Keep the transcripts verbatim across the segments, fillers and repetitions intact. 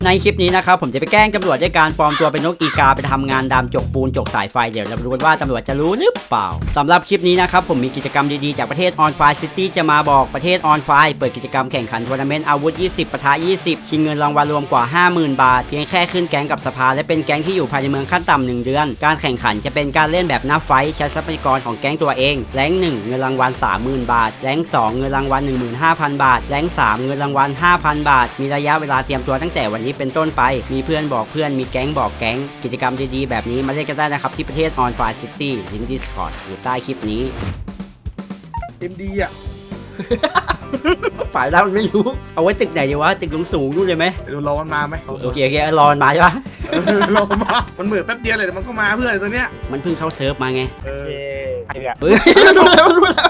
ในคลิปนี้นะครับผมจะไปแกล้งตำรวจด้วยการปลอมตัวเป็นนกอีกาไปทำงานดำจกปูนจกสายไฟเดี๋ยวเราดูกันว่าตำรวจจะรู้หรือเปล่าสำหรับคลิปนี้นะครับผมมีกิจกรรมดีๆจากประเทศ On Fire City จะมาบอกประเทศ On Fire เปิดกิจกรรมแข่งขันทัวร์นาเมนต์อาวุธยี่สิบปะทะยี่สิบชิงเงินรางวัลรวมกว่า ห้าหมื่น บาทเพียงแค่ขึ้นแก๊งกับสภาและเป็นแก๊งที่อยู่ภายในเมืองขั้นต่ำหนึ่งเดือนการแข่งขันจะเป็นการเล่นแบบนับไฟท์ใช้ทรัพยากรของแก๊งตัวเองแรงหนึ่งเงินรางวัล สามหมื่น บาทแรงสองเงินรางวัล หนึ่งหมื่นห้าพัน บาทแรงสามเงินรางวัล ห้าพัน บาทมีระยะเวลาเตรียมตัวตั้งแต่วันนี้เป็นต้นไปมีเพื่อนบอกเพื่อนมีแก๊งบอกแก๊งกิจกรรมดีๆแบบนี้มาเล่นกันได้นะครับที่ประเทศ On Fire City ลิงก์ Discord อยู่ใต้คลิปนี้เอ็มดีอ่ะฝ่ายเราไม่รู้เอาไว้ตึกไหนดีวะตึกสูงๆนู่นเลยไหมเดี๋ยวรอมันมาไหมโอเคโอเครอมันมาใช่ปะรอมามันเหมือนแป๊บเดียวเลยมันก็มาเพื่อนตัวเนี้ยมันเพิ่งเข้าเซิร์ฟมาไงเออใครเนี่ยเฮ้ยรู้แล้วรู้แล้ว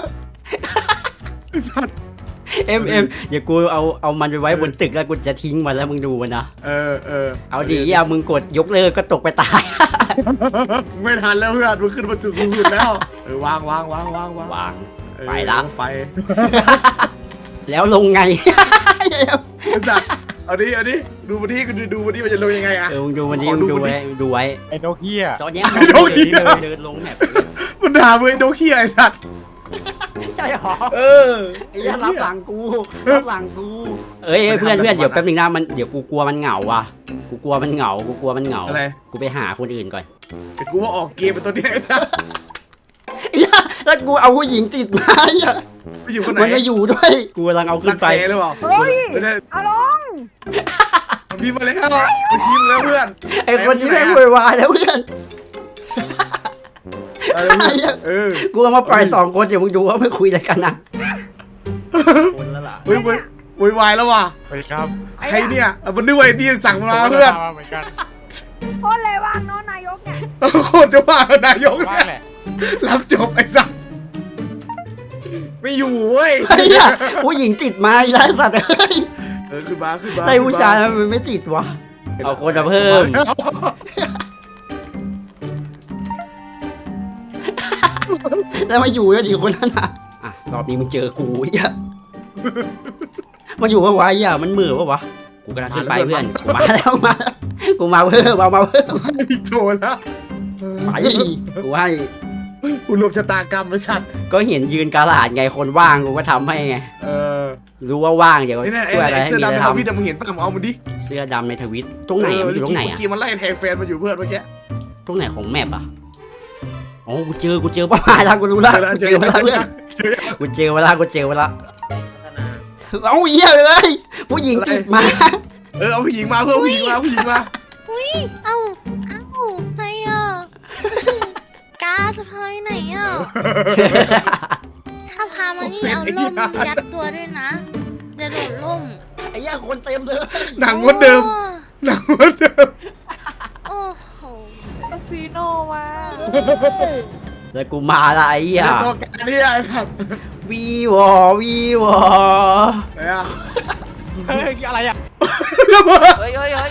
เอ็มเอ็มเดี๋ยวกูเอาเอามันไปไว้บนตึกแล้วกูจะทิ้งมันแล้วมึงดูมันนะเออเออเอาดีอย่ามึงกดยกเลิกก็ตกไปตายไม่ทันแล้วเพื่อนมึงขึ้นมาจุดสูงสุดแล้วเออวางวางวางวางวางวางไปละไปแล้วลงไงสัตว์เอาดิเอาดิดูวันนี้กูดูวันนี้มันจะลงยังไงอะเออมึงดูวันนี้มึงดูไว้ดูไว้ไอ้โนเกียตอนนี้มันเดินเดินลงแบบมันด่ามึงไอ้โนเกียไอ้สัตว์ใช่หรอเออไอ้ยันรับหลังกูรับหลังกูเอ้ยเพื่อนเพื่อนเดี๋ยวแป๊บนึงนะมันเดี๋ยวกูกลัวมันเหงาว่ะกูกลัวมันเหงากูกลัวมันเหงาอะไรกูไปหาคนอื่นก่อนแต่กูว่าออกเกมเป็นตัวนี้ไอ้สัตว์แล้วกูเอาผู้หญิงติดมาอ่ะไปอยู่คนไหนมันไม่อยู่ด้วยกูกำลังเอาขึ้นไปหรือเปล่าเฮ้ยอาลงมันพิมพ์มาแล้วมันพิมพ์แล้วเพื่อนไอ้คนนี้แม่งโวยวายแล้วเพื่อนเออกูเอามาปล่อยสองคนเดี๋ยวมึงดูว่าไม่คุยอะไรกันนะคนแล้วล่ะเฮ้ยโวยวายแล้วว่ะสวัสดีครับใครเนี่ยมันนึกว่าไอ้ที่สั่งมาเพื่อนเหมือนกันโคตรเลยว่างเนาะนายกเนี่ยโคตรจะว่านายกว่างแหละรับจบไอ้สัสไม่อยู่เว้ยผู้หญิงติดมาอีกแล้วสัตว์เฮ้ยเออขึ้นมาขึ้นมาได้ผู้ชายมันไม่ติดวะเอาคนมาเพิ่มแล้วมาอยู่กันอีกคนนั้นอ่ะอ่ะรอบนี้มึงเจอกูอ่ะมาอยู่ว่าไว้อ่ะมันมือวะวะกูกำลังขึ้นไปเพื่อนกูมาแล้วมากูมาเพิ่มเอามาเพิ่มอีกโดนแล้วไปกูให้กูรวมชะตากรรมไอ้สัตว์ก็เห็นยืนกาลาดไงคนว่างกูก็ทำให้ไงเออรู้ว่าว่างเดี๋ยวช่วยอะไรให้มีอะไรทำเสื้อดำในทวิตมึงเห็นป่ะเอามันดิเสื้อดำในทวิตตรงไหนมันอยู่ตรงไหนอ่ะเมื่อกี้มันไล่แทงแฟนมาอยู่เพื่อนเมื่อกี้ตรงไหนของแมปอ่ะอ๋อกูเจอกูเจอป้าแล้วกูรู้แล้วกูเจอเวลาเพื่อนกูเจอเวลากูเจอเวลาเอาเหี้ยเลยผู้หญิงติดมาเออเอาผู้หญิงมาเพื่อผู้หญิงมาผู้หญิงมาอุ้ยเอาเอาใครอ่ะกาจะพาไปไหนอ่ะถ้าพามานี่เอาล่มยัดตัวด้วยนะจะโดดล่มไอ้ย่าคนเต็มเลยหนังวันเดิมหนังวันเดิมโอ้โหซีโนมาแล้วกูมาละไอ้ย่าตัวการนี่ไอ้ครับวีวอวีวออะไรอ่ะเฮ้ยอะไรอ่ะเฮ้ยเฮ้ยเฮ้ย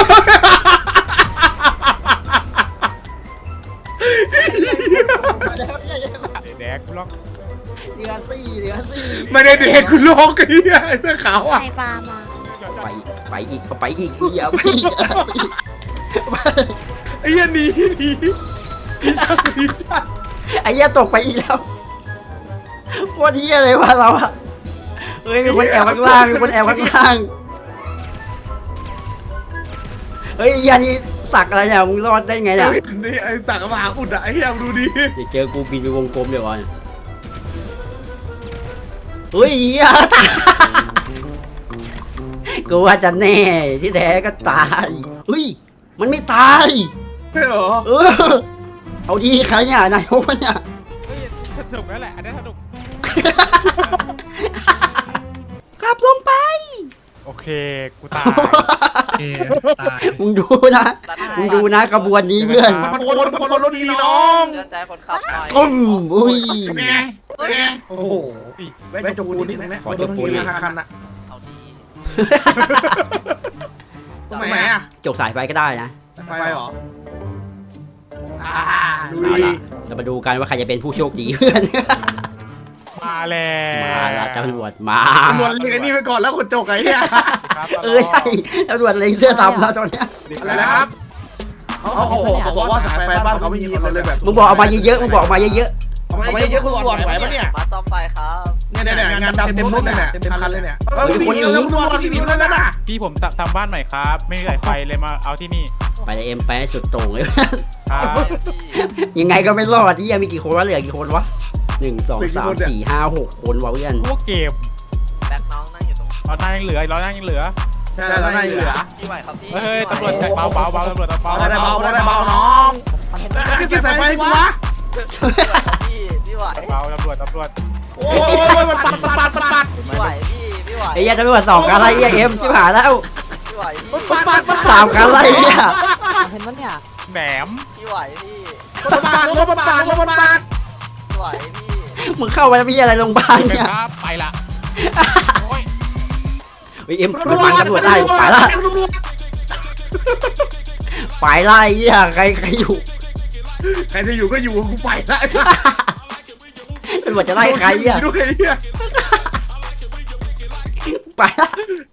แดกกูล็อกเดือดสี่เดือดสี่ไม่ได้เด็กกูโลกไอ้เสื้อขาวอ่ะไปปลามาไปไปอีกไปอีกอย่าไปอีกไอ้ยันหนีหนีไอ้ยันตกไปอีกแล้วโคตรเหี้ยเลยวะเราอะเฮ้ยมีคนแอบข้างล่างมีคนแอบข้างล่างเฮ้ยยันนี่สักอะไรเนี่ยมึงรอดได้ไงเนี่ยนี่ไอ้สักมหาอุดอะไอ้เหี้ยดูดิเดี๋ยวเจอกูบินไปวงกลมเดี๋ยวก่อนเฮ้ยเหี้ยกูว่าจะแน่ที่แท้ก็ตายเฮ้ยมันไม่ตายไม่หรอเออเอาดีใครเนี่ยนายกเนี่ยเฮ้ยสนุกแล้วแหละอันนี้สนุกขับลงไปโอเคกูตายมึงดูนะมึงดูนะกระบวนนี้เพื่อนมันคนคนคนรถดีน้องใจคนขับไปตุ้มอุ้ยโอ้โหแม่จปูนนี่แม่ขอจปูนนี่คันอะเอาดีตรงไหนอะจกสายไฟก็ได้นะไฟหรอดูดิเรามาดูกันว่าใครจะเป็นผู้โชคดีเพื่อนมาแล้วมาละตำรวจมาตำรวจเรียกไอ้นี่ไปก่อนแล้วคนจกไอ้เนี่ยครับเออใช่ตำรวจเล็งเสื้อดำแล้วตอนเนี้ยอะไรนะครับเขาเขาเขาบอกว่าสายไฟบ้านเขาไม่มีเขาเลยแบบมึงบอกเอามาเยอะๆมึงบอกเอามาเยอะทำไมเยอะคุณตำรวจไหวปะเนี่ยมาซ่อมไฟครับเนี่ยเนี่ยงานดำเต็มรถเลยเนี่ยเต็มคันเลยเนี่ยคนนี้แล้วคุณตำรวจที่นี่แล้วน่ะพี่ผมทำบ้านใหม่ครับ ไม่มีสายไฟเลยมาเอาที่นี่ๆไปเลยเอ็มไปให้สุดโต่งเลยครับยังไงก็ไม่รอดที่ยังมีกี่คนวะเหลือกี่คนวะหนึ่งสองสามสี่ห้าหกคนวะเพื่อนพวกเกมแบ็คน้องนั่งอยู่ตรงเราหน้ายังเหลือเราหน้ายังเหลือใช่แล้วนั่นเหลือพี่ไหวครับพี่เฮ้ยตำรวจเบาเบาเบาตำรวจเบาได้เบาได้เบาน้องขึ้นสายไฟกูวะพี่พี่ไหวเบาตำรวจตำรวจโอ้ยมันปัดปัดปัดปัดพี่ไหวพี่พี่ไหวไอ้เหี้ยตำรวจสองคันอะไรเหี้ยเอ็มชิบหายแล้วพี่ไหวพี่ปัดปัดปัดสามคันอะไรเหี้ยเห็นปะเนี่ยแหนมพี่ไหวพี่ปัดปัดปัดปัดปัดปัดพี่ไหวพี่มึงเข้าไปแล้วมีอะไรโรงพยาบาลเป็นเนี่ยครับไปละโอ้ยเฮ้ยเอ็มมันฟันตำรวจได้ไปละไปละไอ้เหี้ยใครใครอยู่ใครจะอยู่ก็อยู่กูไปละตำรวจจะไล่ใครอ่ะด้วยเนี่ยไปละ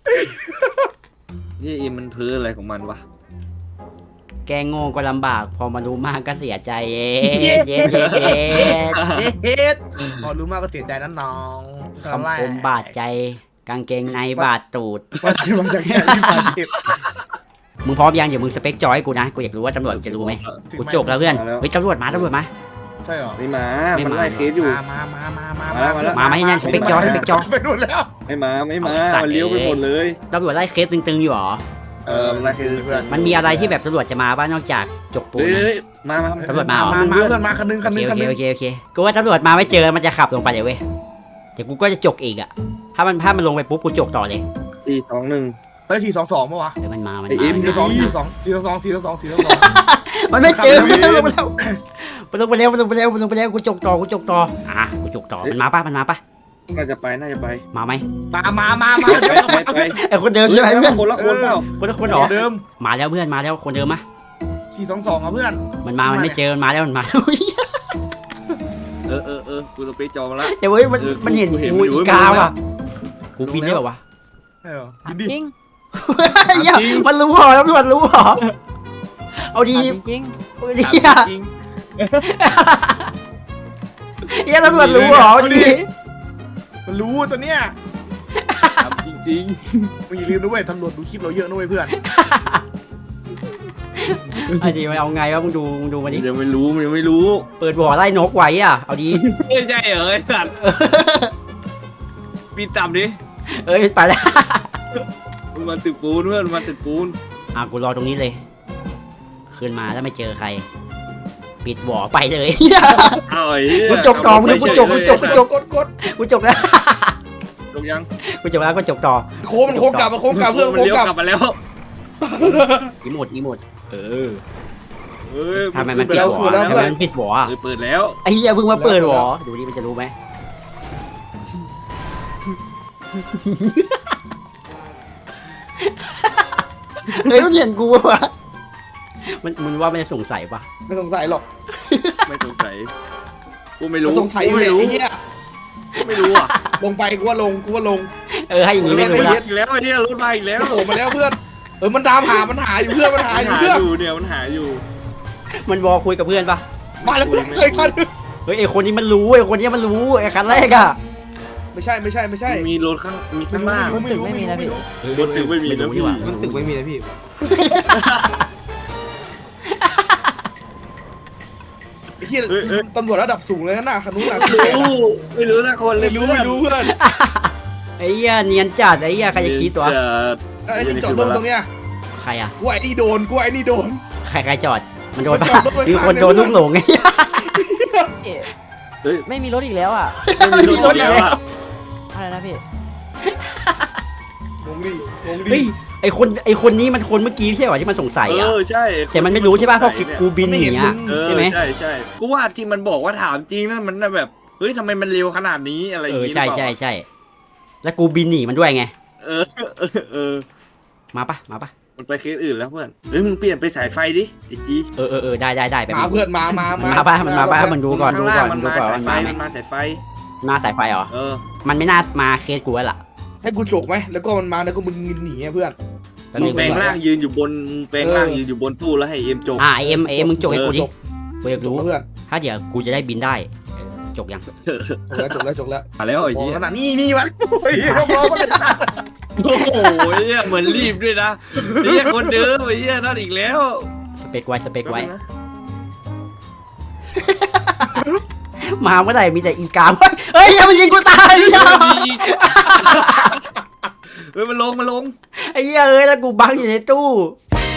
นี่อิมมันพื้นอะไรของมันวะแกโง่ก็ลำบากพอมารู้มากก็เสียใจเย็ดเย็ดเย็ดเย็ดเฮ็ดพอรู้มากก็เสียใจนั่นน้องคำคมบาดใจกางเกงในบาดตูดว่าที่มันจะแค่ที่บาดเจ็บมึงพร้อมยังเดี๋ยวมึงสเปคจอยให้กูนะกูอยากรู้ว่าตำรวจจะรู้ไหมกูจกแล้วเพื่อนเฮ้ยตำรวจมาตำรวจมาใช่หรอไม่มาไม่มามัมันไล่เคสอยู่มามามามามาแล้วมาแล้วมาไหมนั่นสเปคจอยสเปคจอยไปนู่นแล้วไม่มาไม่มาเอาไอ้สัตว์มันเลี้ยวไปหมดเลยตำรวจไล่เคสตึงๆอยู่หรอเออมันไล่เคสเพื่อนมันมีอะไรที่แบบตำรวจจะมาบ้างนอกจากจกปูนเฮ้ยนะมามาตำรวจมาเหรอมามาเพื่อนมาคันนึงคันโอนึเคงคันโอนึเคงโอเคโอเคกูว่าตำรวจมาไม่เจอมันจะขับลงไปเดี๋ยวเว้ยเดี๋ยวกูก็จะจกอีกอ่ะถ้ามันถ้ามันลงไปปุ๊บกูจกต่อเลยสี่สองหนึ่งเฮ้ยสี่สองสองปะวะเดี๋ยวมันมามันไอ้มาเอ็มสี่สองสี่สองสี่สองสี่สองสี่สองมันไม่เจอมันลงไปแล้วมันลงไปแล้วมันลงไปแล้วมันลงไปแล้วกูจกต่อกูจกต่ออ่ะกูจกต่อมันมาปะมันมาปะน่าจะไปน่าจะไปมาไหมมามามามาไปไปไปไอคนเดิมใช่ไหมเพื่อนคนละคนเปล่าคนละคนเหรอเดิมมาแล้วเพื่อนมาแล้วคนเดิมมะสี่สองสองอ่ะเพื่อนมันมามันไม่เจอมันมาแล้วมันมาเออเออเออกูจะไปจองแล้วเดี๋ยวเว้ยมันเออมันเห็นกูเห็นกูมันอยู่อีกามันรู้ว่ะกูบินได้ป่าวะใช่หรอจริงเหี้ยมันรู้เหรอตำรวจรู้เหรอเอาดีจริงเอาดีถามอ่ะจริงเหี้ยตำรวจรู้เหรอเอาดีมันรู้ตัวเนี้ยถามจริงมึงอย่าลืมด้วยตำรวจดูคลิปเราเยอะด้วยเพื่อนไอ้ดีมันเอาไงวะมึงดูมึงดูมาดิๆยังไม่รู้มันยังไม่รู้เปิดบ่อไล่นกไว้อ่ะเอาดีไม่ใช่เหรอไอ้สัตว์ปีนต่ำดิเอ้ยไปแล้วมันมาตึกปูนเพื่อนมันมาตึกปูนอ่ะกูรอตรงนี้เลยขึ้นมาแล้วไม่เจอใคร ปิดบ่อไปเลยอ้าวไอ้กูจกกองมึงกูจกกูจกกูจกกดกดกูจกแล้วจกยังกูจกแล้วกูจกต่อโค้งมันโค้งกลับมาโค้งกลับเพื่อนมันโค้งเลี้ยวกลับกลับมาแล้วอีโมดอีโมดเออเอ้ยทำไมมันปิดบ่อทำไมมันปิดบ่ออ่ะเออเปิดแล้วไอ้เหี้ยเพิ่งมาเปิดบ่อดูดิมันจะรู้ไหมเฮ้ยมันเห็นกูวะมันมึงว่ามันจะสงสัยปะไม่สงสัยหรอกไม่สงสัยกูไม่รู้สงสัยอยู่กูแหไม่ละรู้ไอ้เหี้ยกูไม่รู้อ่ะลงไปกูว่าลงกูว่าลงเออให้อย่างนี้ไม่รู้รถละอีกแล้วไอ้เนี่ยรถมาอีกแล้วโผล่มาแล้วเพื่อนเออมันตามหามันหาอยู่เพื่อนมันหามันอยู่หาเพื่อนอยู่เนี่ยมันหาอยู่มันวอคุยกับเพื่อนปะมาแล้วเพื่อนเลยคันเฮ้ยไอคนนี้มันรู้ไอคนนี้มันรู้ไอคันแรกอะไม่ใช่ไม่ใช่ไม่ใช่มีรถข้างมีข้างล่างไม่รู้ไม่รู้ไม่รู้รถตึกไม่มีนะพี่มันตึกไม่มีไอ้เหี้ยตำรวจระดับสูงเลยนะคันนู้นน่ะไม่รู้ไม่รู้นะคนเลไม่ยรู้ไม่รู้เพื่อนไอ้เหี้ยเนียนจัดไอ้เหี้ยใครจะคิดตัวจะไอ้ที่จอดรถตรงเนี้ยใครอะกูไอ้นี่โดนกูไอ้นี่โดนใครใครจอดมันโดนปะมันจอดรถไว้มีคนข้างโดนลูกหลงไงเฮ้ยไม่มีรถอีกแล้วอ่ะไม่มีรถแล้วอ่ะอะไรนะพี่งงดิงงดิเฮ้ยไอคนไอคนนี้มันคนเมื่อกี้ไม่ใช่เหรอที่มันสงสัยเออะอใช่แต่มันไม่รู้ใช่ปะเพราะกูบินหนีอะเออใช่ไหมใช่ใช่กูว่าที่มันบอกว่าถามจริงนั่นมันน่ะแบบเฮ้ยทำไมมันเร็วขนาดนี้อะไรอเอย่าง องี้ใช่หรือเปใช่ล่าใช่แล้วกูบินหนีมันด้วยไงเออเออเออมาปะมาปะมันไปเคสอื่นแล้วเพื่อนเฮ้ยมึงเปลี่ยนไปสายไฟดิไอ้จีเออเออเออได้ได้ได้ไปมาเพื่อนมามามันมาปะมันมาปะมันดูก่อนดูข้างล่างก่อนมันดูมาก่อนสายมันไฟมาไหมมันมาสายไฟมาสายไฟเหรอเออมันไม่น่ามาเคสกูแล้วล่ะให้กูจกไหมแล้วก็มันมาแล้วก็มึงหนีอะเพื่อนแป๊บมึนึงงแปลงร่างยืนอยู่บนมึงแปลงร่างยืนอยู่บนตู้แล้วให้เอ็มจกอ่าเอ็มเอ็มมึงจกให้กูดิจกกูอยากจรู้กเพื่อนถ้าเดี๋ยวกูจะได้บินได้จกยังจกแล้วจกแล้วจกแล้วมาแล้วไอ้มองเหี้ยขนาดนี้นี่มันโอ้ยมองมันเลยโอ้โหเหี้ยเหมือนรีบด้วยนะเหี้ยคนเดิมไอ้เหี้ยนั่นอีกแล้วสเปกไว้สเปกไว้ มาเมื่อไหร่มีแต่อีกาเฮ้ยเฮ้ยอย่ามายิงกูตายอย่าเฮ้ยมันลงมันลงไอ้เหี้ยเอ้ยแล้วกูบังอยู่ในตู้